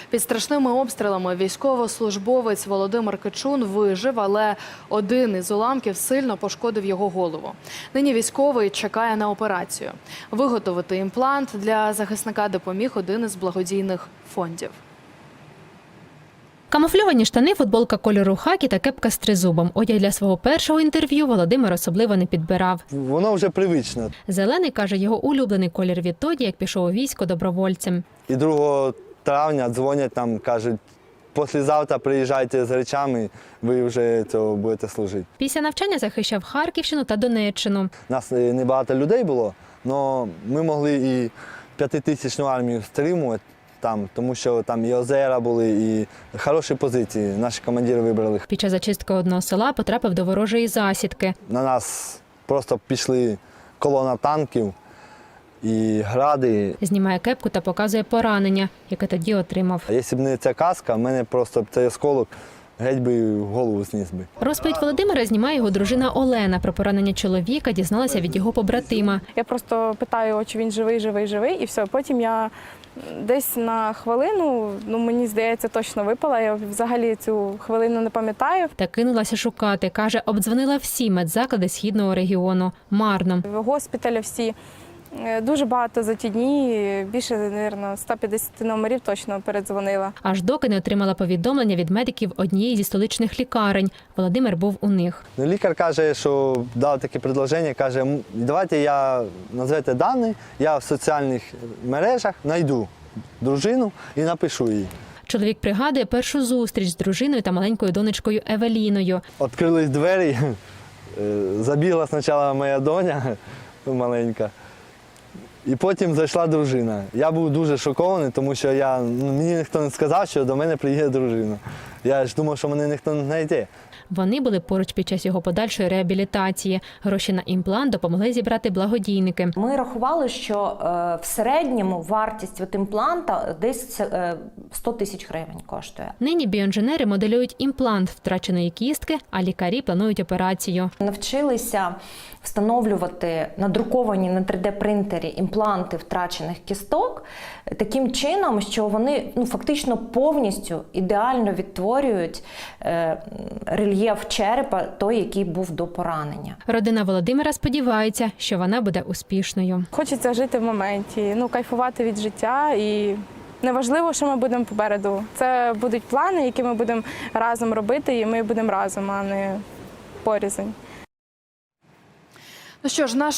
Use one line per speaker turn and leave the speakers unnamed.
Під страшними обстрілами військовослужбовець Володимир Кичун вижив, але один із уламків сильно пошкодив його голову. Нині військовий чекає на операцію. Виготовити імплант для захисника допоміг один із благодійних фондів.
Камуфльовані штани, футболка кольору хакі та кепка з тризубом. Одяг для свого першого інтерв'ю Володимир особливо не підбирав.
Воно вже привичне.
Зелений, каже, його улюблений колір відтоді, як пішов у військо добровольцем.
І 2 травня дзвонять там, кажуть, післязавтра приїжджайте з речами, ви вже цього будете служити.
Після навчання захищав Харківщину та Донеччину.
Нас небагато людей було, але ми могли і 5000-тисячну армію стримувати там, тому що там і озера були, і хороші позиції. Наші командири вибрали.
Під час зачистки одного села потрапив до ворожої засідки.
На нас просто пішли колона танків і гради.
Знімає кепку та показує поранення, яке тоді отримав.
Якщо б не ця каска, в мене просто цей осколок геть би в голову зніс би.
Розповідь Володимира знімає його дружина Олена. Про поранення чоловіка дізналася від його побратима.
Я просто питаю, чи він живий, і все. Потім я десь на хвилину, мені здається, точно випала. Я взагалі цю хвилину не пам'ятаю.
Та кинулася шукати. Каже, обдзвонила всі медзаклади східного регіону. Марно.
Госпіталі всі. Дуже багато за ті дні, більше, мабуть, 150 номерів точно передзвонила.
Аж доки не отримала повідомлення від медиків однієї зі столичних лікарень. Володимир був у них.
Лікар каже, що дав таке предложення, каже, давайте назвете дані, я в соціальних мережах знайду дружину і напишу їй.
Чоловік пригадує першу зустріч з дружиною та маленькою донечкою Евеліною.
Відкрились двері, забігла спочатку моя доня маленька, і потім зайшла дружина. Я був дуже шокований, тому що мені ніхто не сказав, що до мене приїде дружина. Я ж думав, що мене ніхто не знайде.
Вони були поруч під час його подальшої реабілітації. Гроші на імплант допомогли зібрати благодійники.
Ми рахували, що в середньому вартість імпланта десь 100 тисяч гривень коштує.
Нині біоінженери моделюють імплант втраченої кістки, а лікарі планують операцію.
Навчилися встановлювати надруковані на 3D-принтері імпланти втрачених кісток таким чином, що вони фактично повністю ідеально відтворюють рельєф черепа, той, який був до поранення.
Родина Володимира сподівається, що вона буде успішною.
Хочеться жити в моменті, кайфувати від життя і неважливо, що ми будемо попереду. Це будуть плани, які ми будемо разом робити, і ми будемо разом, а не порізень.
Ну що ж, наш